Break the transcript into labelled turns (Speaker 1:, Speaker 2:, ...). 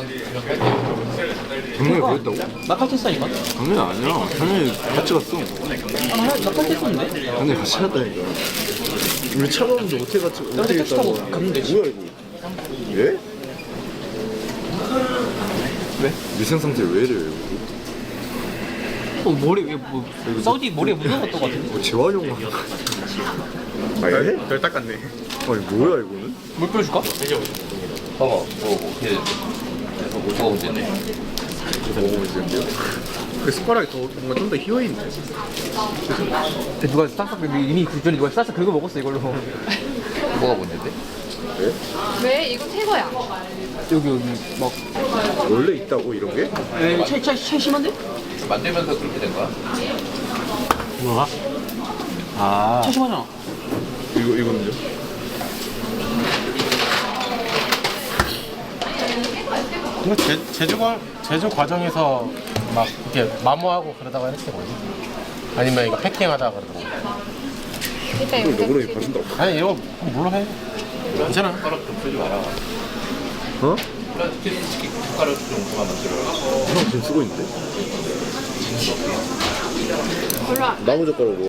Speaker 1: 작년에 그랬다고?
Speaker 2: 나 칼퇴했다니까?
Speaker 1: 작년이 아니야. 작년에 같이 갔어.
Speaker 2: 나 칼퇴했었는데?
Speaker 1: 작년에 같이 갔다니까. 우리 차 가는데 어떻게 같이 어떻게
Speaker 2: 택시 타고
Speaker 1: 갔다고?
Speaker 2: 가면 되지.
Speaker 1: 뭐야 이거? 예?
Speaker 2: 왜?
Speaker 1: 위생 상태 왜 이래요?
Speaker 2: 머리 왜뭐 사우디 머리에 묻은 것도 같은데?
Speaker 1: 뭐 재활용 하는 거 아, 예?
Speaker 3: 별 닦았네.
Speaker 1: 아니 뭐야 이거는?
Speaker 2: 물 뿌려줄까?
Speaker 4: 봐봐, 이렇게 뭐가 문제네.
Speaker 1: 먹어보면 되는데요?
Speaker 3: 그 숟가락이 더 뭔가 좀 더 휘어있네.
Speaker 2: 누가 싹싹 이미 그 전에 누가 싹싹 긁어 먹었어 이걸로.
Speaker 4: 뭐가 문제인데?
Speaker 5: 왜? 이거 새 거야.
Speaker 2: 여기 막
Speaker 1: 원래 있다고 이런 게?
Speaker 2: 차이 심한데?
Speaker 4: 만들면서 그렇게 된 거야?
Speaker 2: 뭐가? 아. 차이 심하잖아.
Speaker 1: 이거는요?
Speaker 3: 이거 제조 과정에서 막 이렇게 마모하고 그러다가 이렇게 뭐지? 아니면 이거 패킹하다가 그러다가.
Speaker 5: 일단
Speaker 1: 이걸
Speaker 5: 이거
Speaker 1: 너그러니
Speaker 5: 지
Speaker 1: 봐준다고?
Speaker 3: 아니 이거 뭘로 해? 괜찮아.
Speaker 4: 숟가락 좀 쓰지 마라.
Speaker 1: 어?
Speaker 4: 플라스틱 숟가락 좀 그만 만들어.
Speaker 1: 형 지금 쓰고 있는데?
Speaker 5: 별로 안
Speaker 1: 나무 젓가락으로